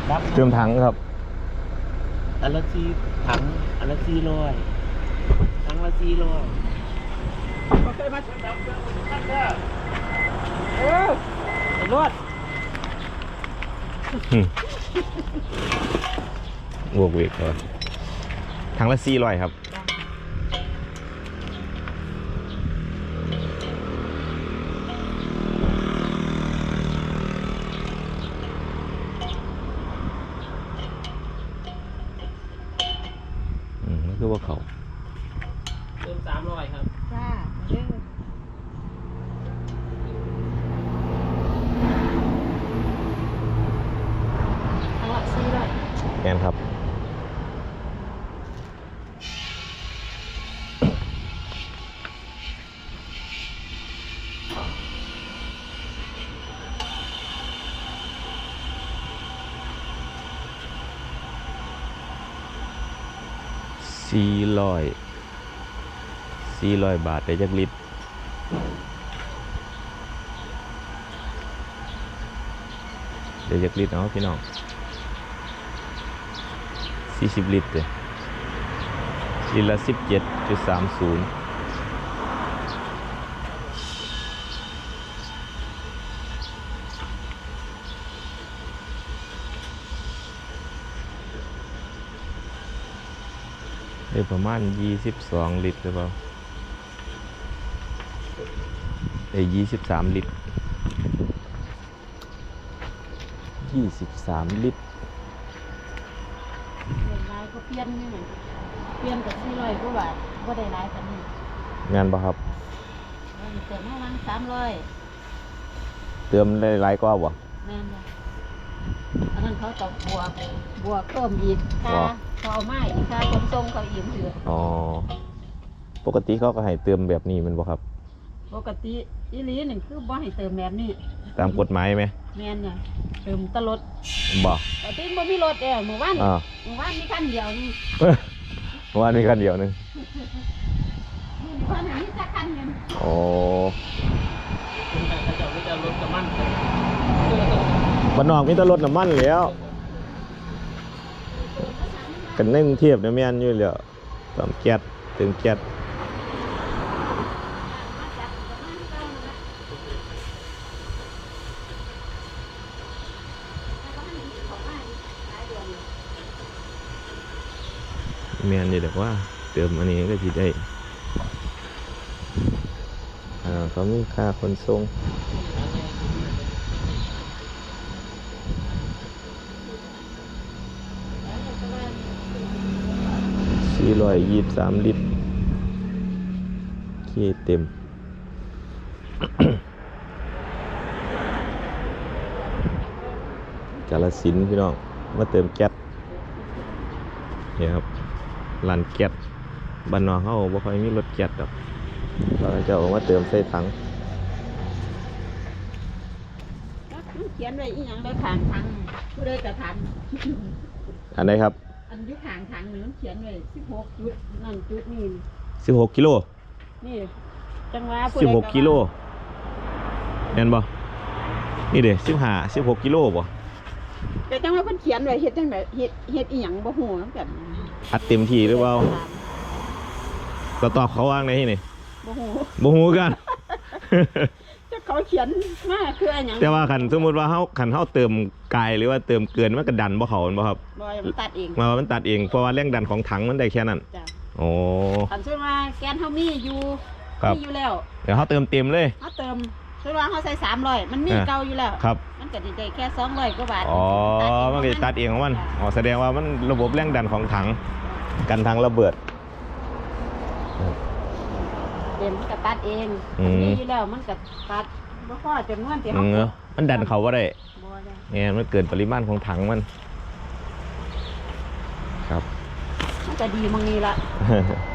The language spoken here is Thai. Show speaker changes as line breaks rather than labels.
เติมถังครับ
อันละ4ถังอันละ400ถังละ400บ่เคยมาดับเครื่องนั่นเด้อไอ้รถ
บวกเวกก่อนถังละ400ครับมันคือว่าเขา
เติม300ครับ
จ้าเด้อทั้งละ400
แมนครับ400 บาทได้จักลิตรได้จักลิตรเนาะพี่น้อง40 ลิตรเลยลิตรละ 17.30ได้ประมาณ22 ลิตรหรือเปล่าได้23 ลิตร23 ลิตร
เงินรายก็เปลี่ยนนี่เหมือนเปลี่ยนกับ400กว่าบาทบ่ได้หลายปานนี้
งานปะครับ
เติมประมาณ300
เติมได้หลายกว่าบ่
แม่นบ่อันนั้นเขาจะบวกเพิ่มอีกค่าเขาเอามาอีกค่าขนส่งเขาอีกเถื่อ
อ๋อปกติเขาก็ให้เติมแบบนี้มันบ่ครับ
ปกติอีหลีนี่คือบ่ให้เติมแบบนี้
ตามกฎหมายไหม
แม่นน่ะเติมตลอด
บ่
แต่ที่บ่มีรถเมื่อวานมีคันเดียวนี่
เมื่อวานมีคันเดียวนึง
เพิ่นมีจักคันนึง
โอ้
เขาจะรถกับมัน
บ้านนอกมีแต่รถน้ำมันแล้วกันในกรุงเทพเนี่ยแม่นอยู่แล้วตามแก๊สเติมแก๊สแม่นอยู่แต่ว่าเติมอันนี้ก็สิได้เขามีค่าขนส่ง423 ลิตรเคเต็ม กาฬสินธุ์พี่น้องมาเติมแก๊สเนี่ยครับร้านแก๊สบ้านนอกเขาบ่ค่อยมีรถแก๊สดอกเราจะเอามาเติมใส่ถัง
เขียนไว้อีหยังได้ข้างถังผู้ใดจะทัน
อันไหนครับ
อันอยู่ข้างถังนี่มันเขียนไว้16จุดนั่นจุดนี่
16 กิโล
นี่จังหวะ
16 กิโลแม่นบ่นี่เด้16 กิโลบ่
แต่จังว่าเพิ่นเขียนไว้เฮ็ดจังได๋เฮ็ดอีหยังบ่ฮู้นำกัน
อัดเต็มที่หรือเปล่าก็ตอบเขาว่างในที่นี่บ่ฮู้กัน
จะเขาเขียนมาคืออันหยัง
แต่ว่าคันสมมุติว่าเฮาเติมไกลหรือว่าเติมเกินมันก็ดันบ่เข้าบ่ครับ
บ่มันตัดเอง
มันตัดเองเพราะว่าแรงดันของถังมันได้แค่นั้น
จ้ะ
โอ้
คันสมมุติว่าแกนเฮามีอยู่แล้ว
เดี๋ยวเฮาเติมเต็มเลย
เฮาเติมสมมุติว่าเฮาใส่300มันมีเก่าอยู่แล้ว
ครับ
มันก็ได้แค่200กว่าบาท
อ๋อมันก็ตัดเองของมันอ๋อแสดงว่ามันระบบแรงดันของถังกันถังระเบิด
เต็มก็ตัดเองมีอยู่แล้วมันก็ตัดบ่พอจำนวนที่เฮา
มันดันเขาบ่ได้เนี่ยมันเกินปริมาณของถังมันครับ
มันก็ดีมองนี้ละ